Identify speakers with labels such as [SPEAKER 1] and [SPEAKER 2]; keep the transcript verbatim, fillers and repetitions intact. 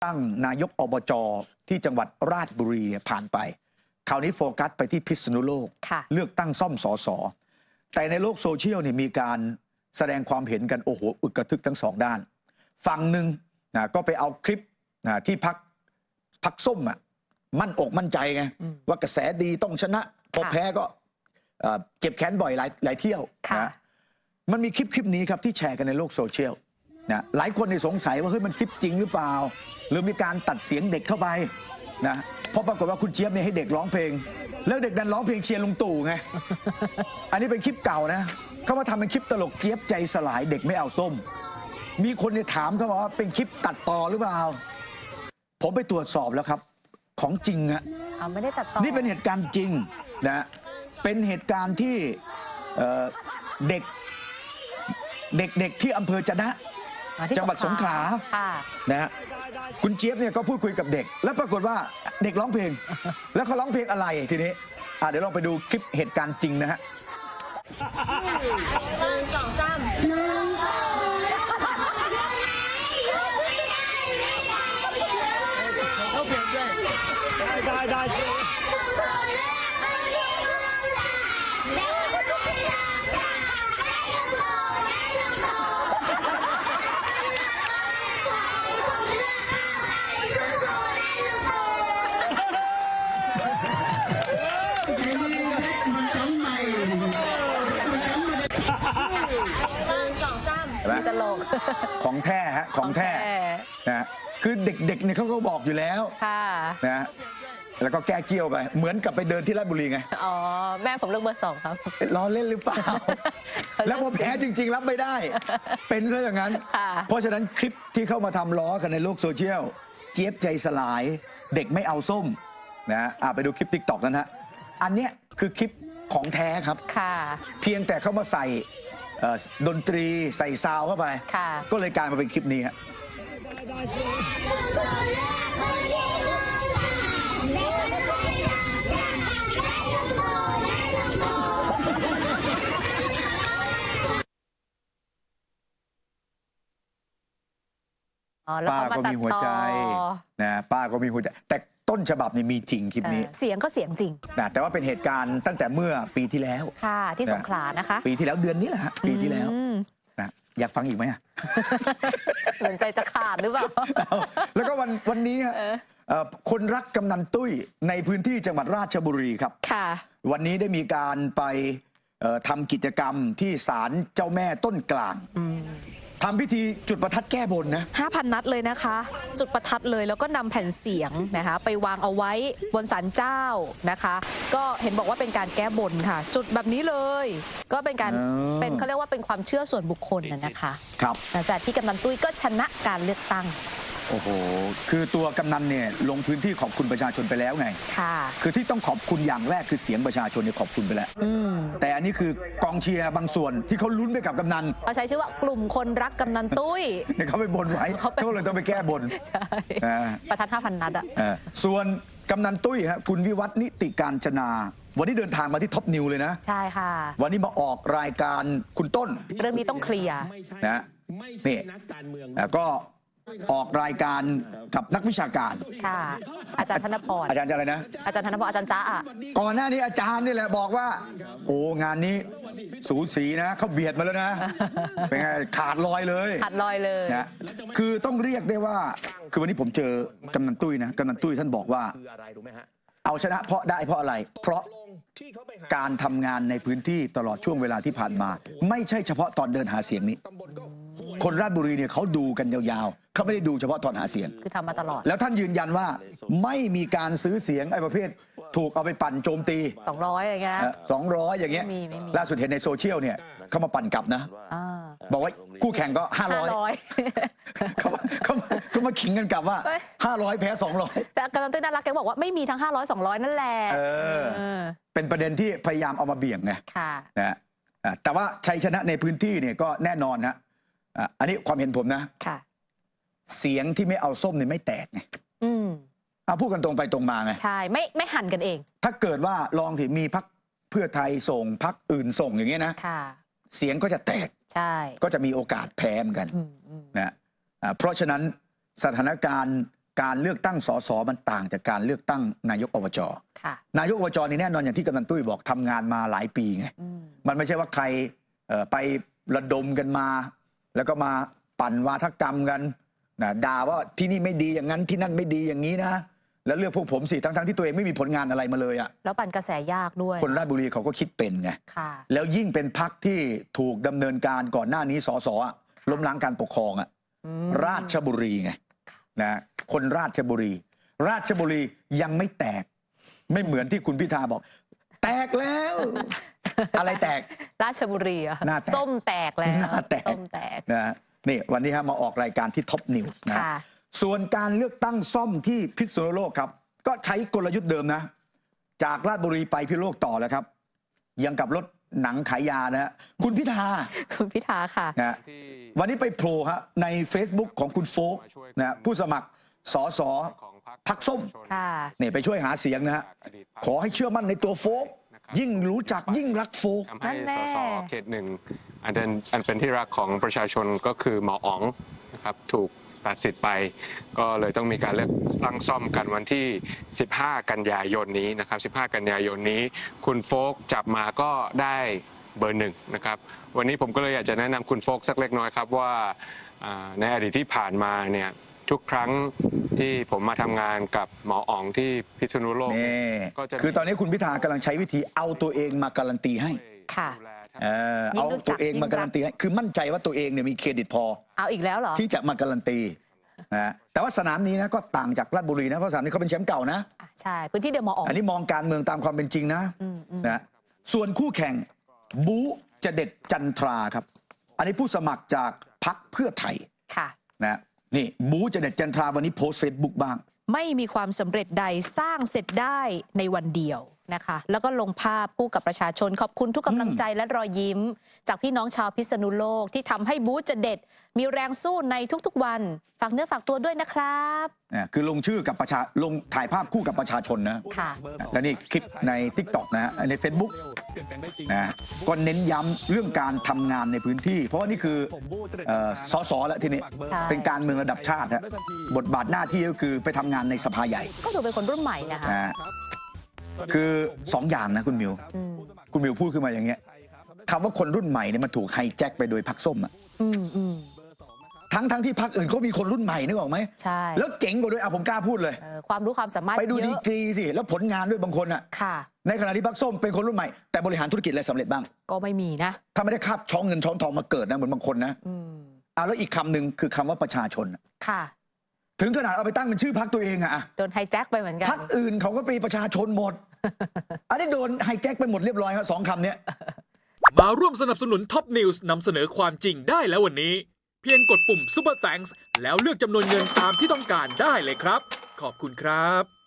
[SPEAKER 1] ตั้งนายกอบจที่จังหวัดราชบุรีผ่านไปคราวนี้โฟกัสไปที่พิษณุโลกเลือกตั้งซ่อมสสแต่ในโลกโซเชียลเนี่ยมีการแสดงความเห็นกันโอ้โหอึกกระทึกทั้งสองด้านฝั่งหนึ่งนะก็ไปเอาคลิปนะที่พักพักส้มอ่ะมั่นอกมั่นใจไงว่ากระแสดีต้องชนะพอแพ้ก็เจ็บแขนบ่อยหลายหลายเที่ยวนะมันมีคลิปคลิปนี้ครับที่แชร์กันในโลกโซเชียลนะหลายคนในสงสัยว่าเฮ้ยมันคลิปจริงหรือเปล่าหรือมีการตัดเสียงเด็กเข้าไปนะเพราะปรากฏว่าคุณเจี๊ยบเนี่ยให้เด็กร้องเพลงแล้วเด็กดันร้องเพลงเชียร์ลุงตู่ไง อันนี้เป็นคลิปเก่านะเขามาทำเป็นคลิปตลกเจี๊ยบใจสลายเด็กไม่เอาส้มมีคนเนี่ยถามเขาว่าเป็นคลิปตัดต่อหรือเปล่าผมไปตรวจสอบแล้วครับของจริงอะ
[SPEAKER 2] ไม่ได้ตัดต่อ
[SPEAKER 1] นี่เป็นเหตุการณ์จริงนะเป็นเหตุการณ์ที่เด็กเด็กๆที่อำเภอจะนะจังหวัดสงขลานะฮะคุณเจี๊ยบเนี่ยก็พูดคุยกับเด็กแล้วปรากฏว่าเด็กร้องเพลงแล้วเขาร้องเพลงอะไรทีนี้เดี๋ยวลองไปดูคลิปเหตุการณ์จริงนะฮะ
[SPEAKER 2] หนึ่งสองสาม
[SPEAKER 3] ได้ได้
[SPEAKER 2] ตลก
[SPEAKER 1] ของแท้ฮะของแท้นะคือเด็กๆเนี่ยเขาก็บอกอยู่แล้วนะแล้วก็แก้เกี้ยวไปเหมือนกับไปเดินที่ราชบุรีไง
[SPEAKER 2] อ๋อแม่ผมเลือกเบอร์สองครับ
[SPEAKER 1] ล้อเล่นหรือเปล่าแล้วพอแพ้จริงๆรับไม่ได้เป็นซะอย่างนั้นเพราะฉะนั้นคลิปที่เข้ามาทำล้อกันในโลกโซเชียลเจี๊ยบใจสลายเด็กไม่เอาส้มนะไปดูคลิป ติ๊กต็อก นั้นฮะอันเนี้ยคือคลิปของแท้ครับเพียงแต่เข้ามาใส่ดนตรีใส่ซาวเข้าไปก็เลยกลายมาเป็นคลิปนี้ฮะป้าก็มีหัวใจนะป้าก็มีหัวใจแต่ต้นฉบับนี่มีจริงคลิปนี้
[SPEAKER 2] เสียงก็เสียงจริง
[SPEAKER 1] นะแต่ว่าเป็นเหตุการณ์ตั้งแต่เมื่อปีที่แล้ว
[SPEAKER 2] ค่ะที่สงขลานะคะ
[SPEAKER 1] ปีที่แล้วเดือนนี้แหละฮะปีที่แล้วนะอยากฟังอีกไหมอ่ะ
[SPEAKER 2] เหมือนใจจะขาดหรือเปล่า
[SPEAKER 1] แล้วก็วันวันนี้ฮะคนรักกำนันตุ้ยในพื้นที่จังหวัดราชบุรีครับ
[SPEAKER 2] ค่ะ
[SPEAKER 1] วันนี้ได้มีการไปทำกิจกรรมที่ศาลเจ้าแม่ต้นกลางทำพิธีจุดประทัดแก้บนนะ
[SPEAKER 2] ห้าพันนัดเลยนะคะจุดประทัดเลยแล้วก็นำแผ่นเสียงนะคะไปวางเอาไว้บนศาลเจ้านะคะก็เห็นบอกว่าเป็นการแก้บนค่ะจุดแบบนี้เลยก็เป็นการเป็นเขาเรียกว่าเป็นความเชื่อส่วนบุคคลนะคะ
[SPEAKER 1] ครับ
[SPEAKER 2] หลังจากที่กำนันตุ้ยก็ชนะการเลือกตั้ง
[SPEAKER 1] โอ้โหคือตัวกำนันเนี่ยลงพื้นที่ขอบคุณประชาชนไปแล้วไง
[SPEAKER 2] ค่ะ
[SPEAKER 1] คือที่ต้องขอบคุณอย่างแรกคือเสียงประชาชนเนี่ยขอบคุณไปแล้วแต่อันนี้คือกองเชียร์บางส่วนที่เขาลุ้นไปกับกำนัน
[SPEAKER 2] เขาใช้ชื่อว่ากลุ่มคนรักกำนันตุ้ย
[SPEAKER 1] เขาไปบนไว้เขาเลยต้องไปแก้บน
[SPEAKER 2] ใช่ประทัดห้าพันนัดอ่ะ
[SPEAKER 1] ส่วนกำนันตุ้ยฮะคุณวิวัฒน์นิติการจนาวันนี้เดินทางมาที่ท็อปนิวเลยนะ
[SPEAKER 2] ใช่ค่ะ
[SPEAKER 1] วันนี้มาออกรายการคุณต้น
[SPEAKER 2] เรื่องนี้ต้องเคลียร์
[SPEAKER 1] นะนี่แล้วก็ออกรายการกับนักวิชาการ
[SPEAKER 2] ค่ะอาจารย์ธนพร
[SPEAKER 1] อาจารย์อะไรนะ
[SPEAKER 2] อาจารย์ธนพรอาจารย์จ้าอ่ะ
[SPEAKER 1] ก่อนหน้านี้อาจารย์นี่แหละบอกว่าโอ้งานนี้สูสีนะเขาเบียดมาแล้วนะเป็นไงขาดลอยเลย
[SPEAKER 2] ขาดลอยเลย
[SPEAKER 1] นะคือต้องเรียกได้ว่าคือวันนี้ผมเจอกำนันตุ้ยนะกำนันตุ้ยท่านบอกว่าเอาชนะเพราะได้เพราะอะไรเพราะการทำงานในพื้นที่ตลอดช่วงเวลาที่ผ่านมาไม่ใช่เฉพาะตอนเดินหาเสียงนี้คนราชบุรีเนี่ยเขาดูกันยาวๆเขาไม่ได้ดูเฉพาะตอนหาเสียง
[SPEAKER 2] คือทำมาตลอด
[SPEAKER 1] แล้วท่านยืนยันว่าไม่มีการซื้อเสียงไอ้ประเภทถูกเอาไปปั่นโจมตี
[SPEAKER 2] สองร้อยอย่างเงี้ย
[SPEAKER 1] สองร้อยอย่างเงี้ยล่าสุดเห็นในโซเชียลเนี่ยเขามาปั่นกลับนะบอกว่าคู่แข่งก็ห้าร้อยเขาเขาเขามาขิงกันกลับว่าห้าร้อยแพ้สองร้อย
[SPEAKER 2] แต่กำนันตุ้ยน่ารักแกบอกว่าไม่มีทั้งห้าร้อยสองร้อยนั่นแหละ
[SPEAKER 1] เป็นประเด็นที่พยายามเอามาเบี่ยงไงนะแต่ว่าชัยชนะในพื้นที่เนี่ยก็แน่นอนนะอันนี้ความเห็นผมนะเสียงที่ไม่เอาส้มเนี่ยไม่แตกไงเอาพูดกันตรงไปตรงมาไง
[SPEAKER 2] ใช่ไม่ไม่หันกันเอง
[SPEAKER 1] ถ้าเกิดว่าลองที่มีพรรคเพื่อไทยส่งพรรคอื่นส่งอย่างเงี้ยนะเสียงก็จะแตก
[SPEAKER 2] ใช่
[SPEAKER 1] ก็จะมีโอกาสแพ้เหมือนกันนะเพราะฉะนั้นสถานการณ์การเลือกตั้งสสมันต่างจากการเลือกตั้งนายกอบจ
[SPEAKER 2] ค่ะ
[SPEAKER 1] นายกอบจนี่แน่นอนอย่างที่กำนันตุ้ยบอกทำงานมาหลายปีไง
[SPEAKER 2] อืม
[SPEAKER 1] มันไม่ใช่ว่าใครเอ่อไประดมกันมา แล้วก็มาปั่นวาทกรรมกันนะด่าว่าที่นี่ไม่ดีอย่างนั้นที่นั่นไม่ดีอย่างนี้นะ แล้วเลือกพวกผมสิทั้งๆที่ตัวเองไม่มีผลงานอะไรมาเลยอะ
[SPEAKER 2] แล้วปั่นกระแสยากด้วย
[SPEAKER 1] คนราชบุรีเขาก็คิดเป็นไง
[SPEAKER 2] ค่ะ
[SPEAKER 1] แล้วยิ่งเป็นพักที่ถูกดำเนินการก่อนหน้านี้สสอะล้มล้างการปกครองอะ
[SPEAKER 2] อืม
[SPEAKER 1] ราชบุรีไงนะคนราชบุรี ราชบุรียังไม่แตก ไม่เหมือนที่คุณพิธาบอก แตกแล้ว อะไรแตก
[SPEAKER 2] ราชบุรีอะ
[SPEAKER 1] หน้าแตก
[SPEAKER 2] ส้มแตกแล้ว
[SPEAKER 1] หน้าแตก
[SPEAKER 2] ส้มแตก
[SPEAKER 1] นะนี่วันนี้ฮะมาออกรายการที่ท็อปนิวส์นะ
[SPEAKER 2] ค่ะ
[SPEAKER 1] ส่วนการเลือกตั้งซ่อมที่พิษณุโลกครับ ก็ใช้กลยุทธ์เดิมนะ จากราชบุรีไปพิษณุโลกต่อแล้วครับ ยังกับรถหนังขายยานะฮะคุณพิธา
[SPEAKER 2] คุณพิธาค่ะ
[SPEAKER 1] นะฮะวันนี้ไปโผล่ฮะใน Facebook ของคุณโฟกนะฮะผู้สมัครสสพักส้ม
[SPEAKER 2] ค่ะ
[SPEAKER 1] เนี่ยไปช่วยหาเสียงนะฮะขอให้เชื่อมั่นในตัวโฟกยิ่งรู้จักยิ่งรักโฟก
[SPEAKER 4] ทำให้
[SPEAKER 2] นั่นแน่
[SPEAKER 4] สสเขตหนึ่งอันเป็นอันเป็นที่รักของประชาชนก็คือหมออ๋องนะครับถูกตัดสิทธิ์ไป ก็เลยต้องมีการเลือกตั้งซ่อมกันวันที่ สิบห้า กันยายนนี้นะครับ สิบห้า กันยายนนี้ คุณโฟกจับมาก็ได้เบอร์หนึ่งนะครับ วันนี้ผมก็เลยอยากจะแนะนำคุณโฟกสักเล็กน้อยครับว่าอ่าในอดีตที่ผ่านมาเนี่ยทุกครั้งที่ผมมาทำงานกับหมออ๋องที่พิษณุโลก
[SPEAKER 1] นี่
[SPEAKER 4] ก็จะ
[SPEAKER 1] คือตอนนี้คุณพิธากำลังใช้วิธีเอาตัวเองมาการันตีให้
[SPEAKER 2] ค่ะ
[SPEAKER 4] ดูแลท่าน
[SPEAKER 1] เออ
[SPEAKER 2] ยิ่
[SPEAKER 1] เอา
[SPEAKER 2] งรู้จัก
[SPEAKER 1] ตัวเองมาการันตีให้คือมั่นใจว่าตัวเองเนี่ยมีเครดิตพอ
[SPEAKER 2] เอาอีกแล้วเหรอ
[SPEAKER 1] ที่จะมาการันตีนะแต่ว่าสนามนี้นะก็ต่างจากราชบุรีนะเพราะสนามนี้เขาเป็นแชมป์เก่านะ
[SPEAKER 2] อ่ะใช่ พื้นที่เดิมหมออ๋อง
[SPEAKER 1] อันนี้มองการเมืองตามความเป็นจริงนะ
[SPEAKER 2] อืมอืม
[SPEAKER 1] นะส่วนคู่แข่งบูจะเด็ดจันทราครับ อันนี้ผู้สมัครจากพรรคเพื่อไทย
[SPEAKER 2] ค่ะ
[SPEAKER 1] นะนี่บูจะเด็ดจันทราวันนี้โพสเฟซบุ๊กบ้าง
[SPEAKER 2] ไม่มีความสำเร็จใดสร้างเสร็จได้ในวันเดียวนะคะ แล้วก็ลงภาพคู่กับประชาชนขอบคุณทุกกำลังใจและรอยยิ้ม จากพี่น้องชาวพิษณุโลกที่ทำให้บูธจะเด็ด มีแรงสู้ในทุกๆวัน ฝากเนื้อฝากตัวด้วยนะครับ
[SPEAKER 1] นะคือลงชื่อกับประชาลงถ่ายภาพคู่กับประชาชนนะ
[SPEAKER 2] ค่ะ
[SPEAKER 1] และนี่คลิปใน ทิกต็อก นะฮะใน Facebook นะก็เน้นย้ำเรื่องการทำงานในพื้นที่ เพราะว่านี่คือเอ่อสสแล้วทีนี้
[SPEAKER 2] ใช่
[SPEAKER 1] เป็นการเมืองระดับชาติฮะบทบาทหน้าที่ก็คือไปทำงานในสภาใหญ่
[SPEAKER 2] ก็ถือเป็นคนรุ่นใหม่นะคะ
[SPEAKER 1] นะฮะคือสองอย่างนะคุณมิว
[SPEAKER 2] อืม
[SPEAKER 1] คุณมิวพูดขึ้นมาอย่างเงี้ยคำว่าคนรุ่นใหม่เนี่ยมันถูกไฮแจ็คไปโดยพรรคส้มอะ
[SPEAKER 2] อืมอืม
[SPEAKER 1] ทั้งทั้งที่พรรคอื่นเขามีคนรุ่นใหม่นึกออกไหม
[SPEAKER 2] ใช่
[SPEAKER 1] แล้วเจ๋งกว่าด้วยอ่ะผมกล้าพูดเลย
[SPEAKER 2] เอ่อความรู้ความสามารถ
[SPEAKER 1] ไปดู
[SPEAKER 2] เย
[SPEAKER 1] ดี
[SPEAKER 2] อะ
[SPEAKER 1] กรีสิแล้วผลงานด้วยบางคนอะ
[SPEAKER 2] ค่ะ
[SPEAKER 1] ในขณะที่พรรคส้มเป็นคนรุ่นใหม่แต่บริหารธุรกิจอะไรสำเร็จบ้าง
[SPEAKER 2] ก็ไม่มีนะ
[SPEAKER 1] ถ้าไม่ได้คาบช้องเงินช้องทองมาเกิดนะเหมือนบางคนนะ
[SPEAKER 2] อืม
[SPEAKER 1] อ่ะแล้วอีกคำหนึ่งคือคำว่าประชาชนอะ
[SPEAKER 2] ค่ะ
[SPEAKER 1] ถึงขนาดเอาไปตั้งเป็นชื่อพรรคตัวเองอะอะ
[SPEAKER 2] โดนไฮแจ็คไปเหมือนกัน
[SPEAKER 1] พรรคอื่นเขาก็เป็นประชาชนหมด อันนี้โดนไฮแจ็คไปหมดเรียบร้อยครับสองคำเนี้ย
[SPEAKER 5] มาร่วมสนับสนุนท็อปนิวส์นำเสนอความจริงได้แล้ววันนี้ เพียงกดปุ่ม Super Thanks แล้วเลือกจำนวนเงินตามที่ต้องการได้เลยครับ ขอบคุณครับ